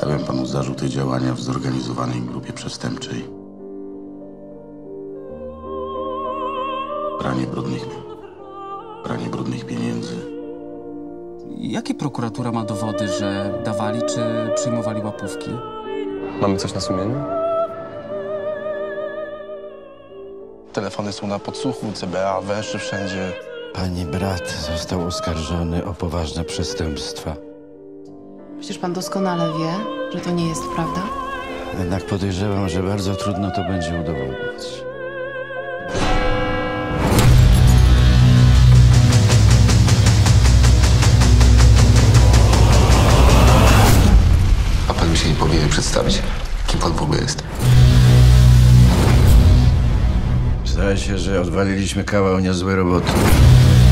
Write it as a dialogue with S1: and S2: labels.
S1: Stawiam panu zarzuty działania w zorganizowanej grupie przestępczej. Pranie brudnych pieniędzy.
S2: Jakie prokuratura ma dowody, że dawali czy przyjmowali łapówki?
S3: Mamy coś na sumieniu?
S4: Telefony są na podsłuchu, CBA węszy wszędzie.
S5: Pani brat został oskarżony o poważne przestępstwa.
S6: Przecież pan doskonale wie, że to nie jest prawda.
S5: Jednak podejrzewam, że bardzo trudno to będzie udowodnić.
S7: A pan mi się nie powinien przedstawić, kim pan w ogóle jest.
S5: Zdaje się, że odwaliliśmy kawał niezłej roboty.